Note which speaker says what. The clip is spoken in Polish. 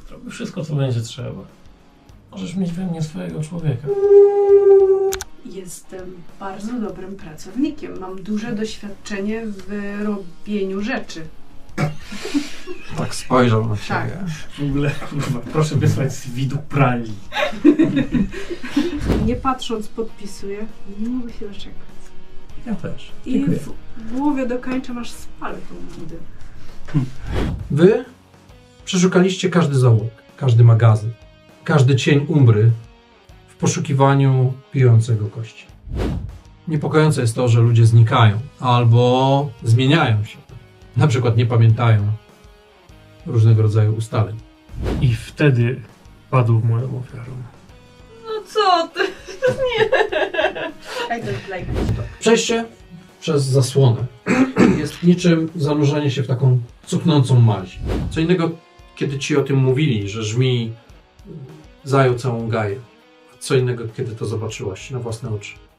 Speaker 1: Zrobię wszystko, co będzie trzeba. Możesz mieć we mnie swojego człowieka.
Speaker 2: Jestem bardzo dobrym pracownikiem. Mam duże doświadczenie w robieniu rzeczy.
Speaker 3: Tak spojrzał na
Speaker 2: Tak.
Speaker 3: ciebie.
Speaker 1: W ogóle, kurwa, proszę wysłać z widu pralni.
Speaker 2: Nie patrząc podpisuję. Nie mogę się doczekać.
Speaker 1: Ja też.
Speaker 2: I
Speaker 1: Dziękuję.
Speaker 2: w głowie dokończę, aż spalę tą budę.
Speaker 4: Wy przeszukaliście każdy zaułek, każdy magazyn, każdy cień umbry w poszukiwaniu pijącego kości. Niepokojące jest to, że ludzie znikają albo zmieniają się. Na przykład nie pamiętają różnego rodzaju ustaleń.
Speaker 1: I wtedy padł moją ofiarą.
Speaker 5: No co ty?
Speaker 2: I don't like
Speaker 4: Przejście przez zasłonę jest niczym zanurzenie się w taką cuchnącą maź. Co innego, kiedy ci o tym mówili, że żmij zajął całą gaję. Co innego, kiedy to zobaczyłaś na własne oczy.